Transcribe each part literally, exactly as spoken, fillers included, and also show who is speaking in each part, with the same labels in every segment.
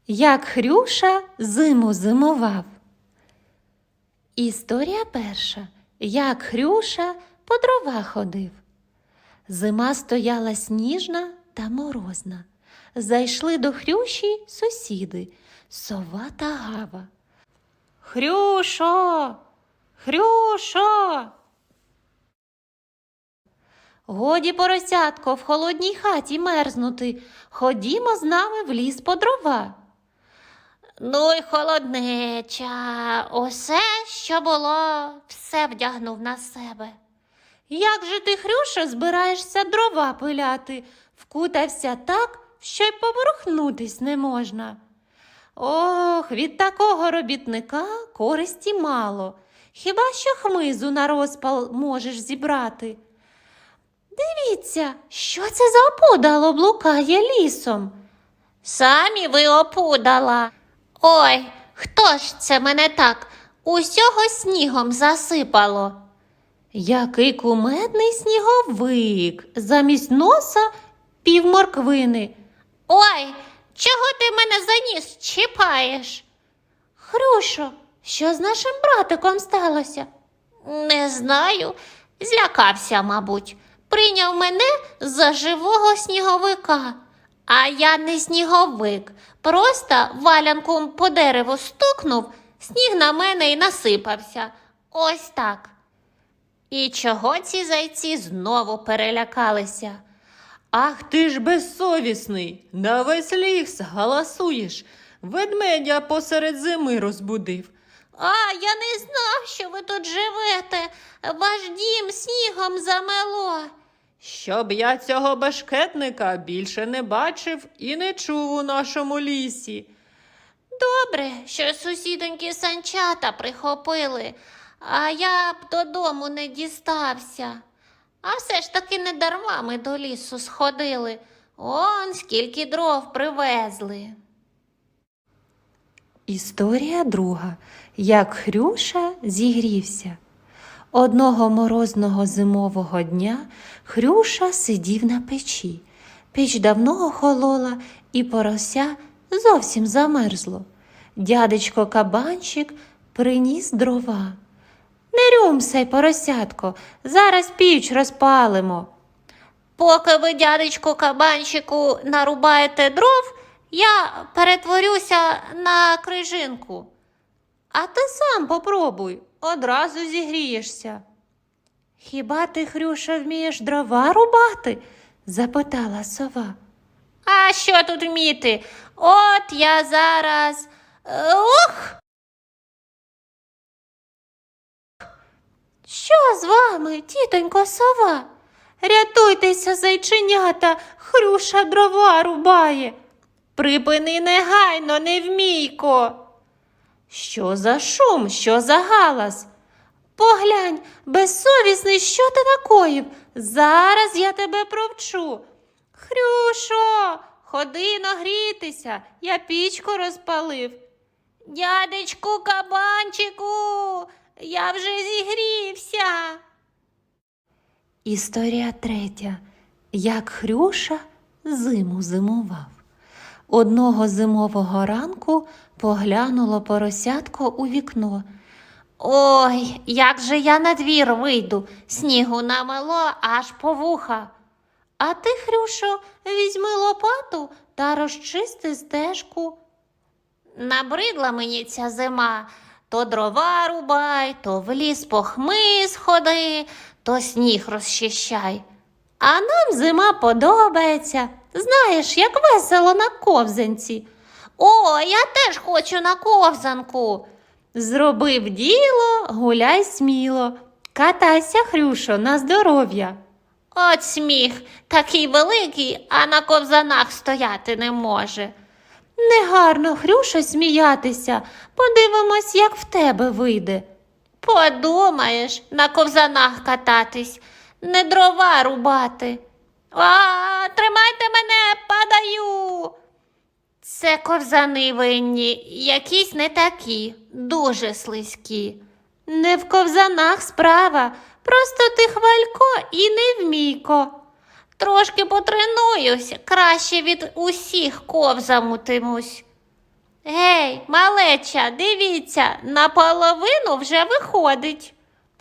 Speaker 1: Як Хрюша зиму зимував. Історія перша. Як Хрюша по дрова ходив. Зима стояла сніжна та морозна. Зайшли до Хрюші сусіди – сова та гава. «Хрюшо! Хрюшо!» «Годі, поросятко, в холодній хаті мерзнути. Ходімо з нами в ліс по дрова».
Speaker 2: Ну й холоднеча, усе, що було, все вдягнув на себе.
Speaker 1: «Як же ти, Хрюшо, збираєшся дрова пиляти? Вкутався так, що й поворухнутись не можна». «Ох, від такого робітника користі мало. Хіба що хмизу на розпал можеш зібрати». «Дивіться, що це за опудало блукає лісом?»
Speaker 2: Самі ви опудала. Ой, хто ж це мене так усього снігом засипало?
Speaker 1: Який кумедний сніговик, замість носа півморквини.
Speaker 2: Ой, чого ти мене за ніс чіпаєш?
Speaker 1: Хрюшо, що з нашим братиком сталося?
Speaker 2: Не знаю, злякався, мабуть. Прийняв мене за живого сніговика. А я не сніговик, просто валянком по дереву стукнув, сніг на мене і насипався. Ось так. І чого ці зайці знову перелякалися?
Speaker 1: Ах ти ж безсовісний, на весь ліс галасуєш, ведмедя посеред зими розбудив.
Speaker 2: А, я не знав, що ви тут живете, ваш дім снігом замело.
Speaker 1: Щоб я цього бешкетника більше не бачив і не чув у нашому лісі.
Speaker 2: Добре, що сусідоньки санчата прихопили, а я б додому не дістався. А все ж таки не дарма ми до лісу сходили. Он скільки дров привезли.
Speaker 1: Історія друга. Як Хрюша зігрівся. Одного морозного зимового дня Хрюша сидів на печі. Піч давно охолола, і порося зовсім замерзло. Дядечко Кабанчик приніс дрова. «Не рюмсай, поросятко, зараз піч розпалимо».
Speaker 2: Поки ви, дядечку Кабанчику, нарубаєте дров, я перетворюся на крижинку.
Speaker 1: «А ти сам попробуй, одразу зігрієшся». «Хіба ти, Хрюша, вмієш дрова рубати?» – запитала сова.
Speaker 2: А що тут вміти? От я зараз... Ух!
Speaker 1: «Що з вами, тітонько сова? Рятуйтеся, зайченята, Хрюша дрова рубає. Припини негайно, невмійко». «Що за шум, що за галас? Поглянь, безсовісний, що ти накоїв? Зараз я тебе провчу. Хрюшо, ходи нагрітися, я пічку розпалив».
Speaker 2: Дядечку Кабанчику, я вже зігрівся.
Speaker 1: Історія третя. Як Хрюша зиму зимував. Одного зимового ранку поглянуло поросятко у вікно.
Speaker 2: Ой, як же я на двір вийду, снігу намело аж по вуха.
Speaker 1: А ти, Хрюшо, візьми лопату та розчисти стежку.
Speaker 2: Набридла мені ця зима. То дрова рубай, то в ліс по хмиз ходи, то сніг розчищай.
Speaker 1: А нам зима подобається. Знаєш, як весело на ковзанці.
Speaker 2: О, я теж хочу на ковзанку.
Speaker 1: Зробив діло, гуляй сміло. Катайся, Хрюшо, на здоров'я.
Speaker 2: От сміх, такий великий, а на ковзанах стояти не може.
Speaker 1: Негарно, Хрюшо, сміятися. Подивимось, як в тебе вийде.
Speaker 2: Подумаєш, на ковзанах кататись, не дрова рубати. А, тримайте мене, падаю. Це ковзани винні, якісь не такі, дуже слизькі.
Speaker 1: Не в ковзанах справа, просто ти хвалько і невмійко.
Speaker 2: Трошки потренуюсь, краще від усіх ковзамутимусь. Гей, малеча, дивіться, наполовину вже виходить.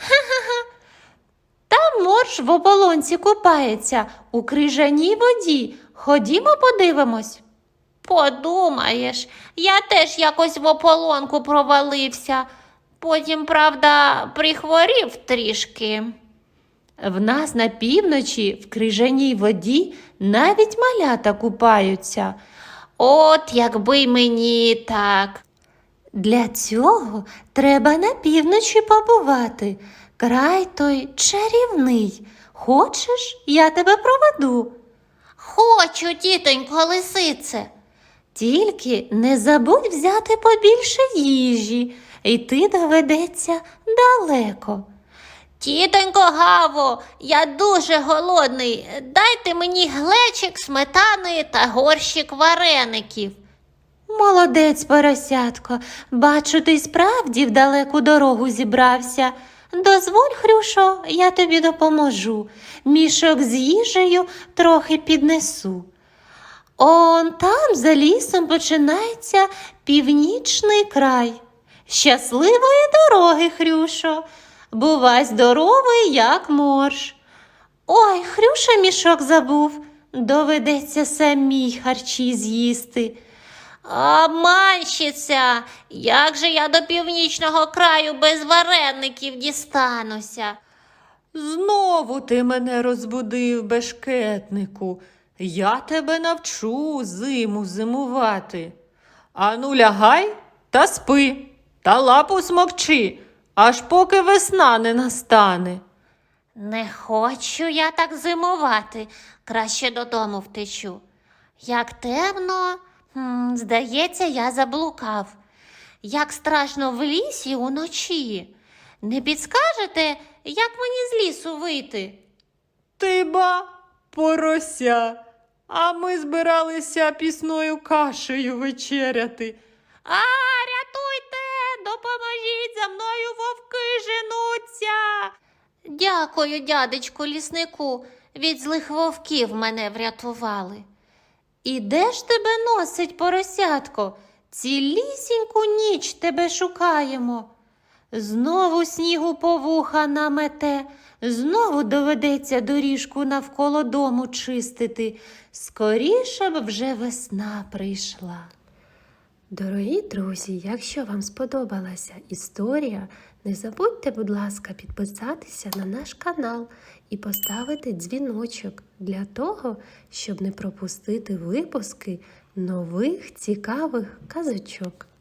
Speaker 1: Там морж в ополонці купається у крижаній воді. Ходімо подивимось.
Speaker 2: Подумаєш, я теж якось в ополонку провалився. Потім, правда, прихворів трішки.
Speaker 1: В нас на півночі в крижаній воді навіть малята купаються.
Speaker 2: От якби й мені так.
Speaker 1: Для цього треба на півночі побувати. Край той чарівний. Хочеш, я тебе проведу?
Speaker 2: Хочу, тітонько лисице.
Speaker 1: Тільки не забудь взяти побільше їжі, йти доведеться далеко.
Speaker 2: Тітонько Гаво, я дуже голодний. Дайте мені глечик сметани та горщик вареників.
Speaker 1: Молодець, поросятко, бачу, ти й справді в далеку дорогу зібрався. Дозволь, Хрюшо, я тобі допоможу. Мішок з їжею трохи піднесу. Он там за лісом починається північний край. Щасливої дороги, Хрюшо. Бувай здоровий, як морж. Ой, Хрюша мішок забув. Доведеться самій харчі з'їсти.
Speaker 2: Обманщиця, як же я до північного краю без вареників дістануся?
Speaker 1: Знову ти мене розбудив, бешкетнику. Я тебе навчу зиму зимувати. Ану, лягай та спи, та лапу смокчи, аж поки весна не настане.
Speaker 2: Не хочу я так зимувати, краще додому втечу. Як темно, м, здається, я заблукав. Як страшно в лісі уночі. Не підскажете, як мені з лісу вийти?
Speaker 1: Ти ба, порося, а ми збиралися пісною кашею вечеряти.
Speaker 2: А, рятуйте, допоможіть, за мною вовки женуться. Дякую, дядечку ліснику, від злих вовків мене врятували.
Speaker 1: І де ж тебе носить, поросятко? Цілісіньку ніч тебе шукаємо. Знову снігу по вуха намете, знову доведеться доріжку навколо дому чистити. Скоріше б вже весна прийшла. Дорогі друзі, якщо вам сподобалася історія, не забудьте, будь ласка, підписатися на наш канал і поставити дзвіночок для того, щоб не пропустити випуски нових цікавих казочок.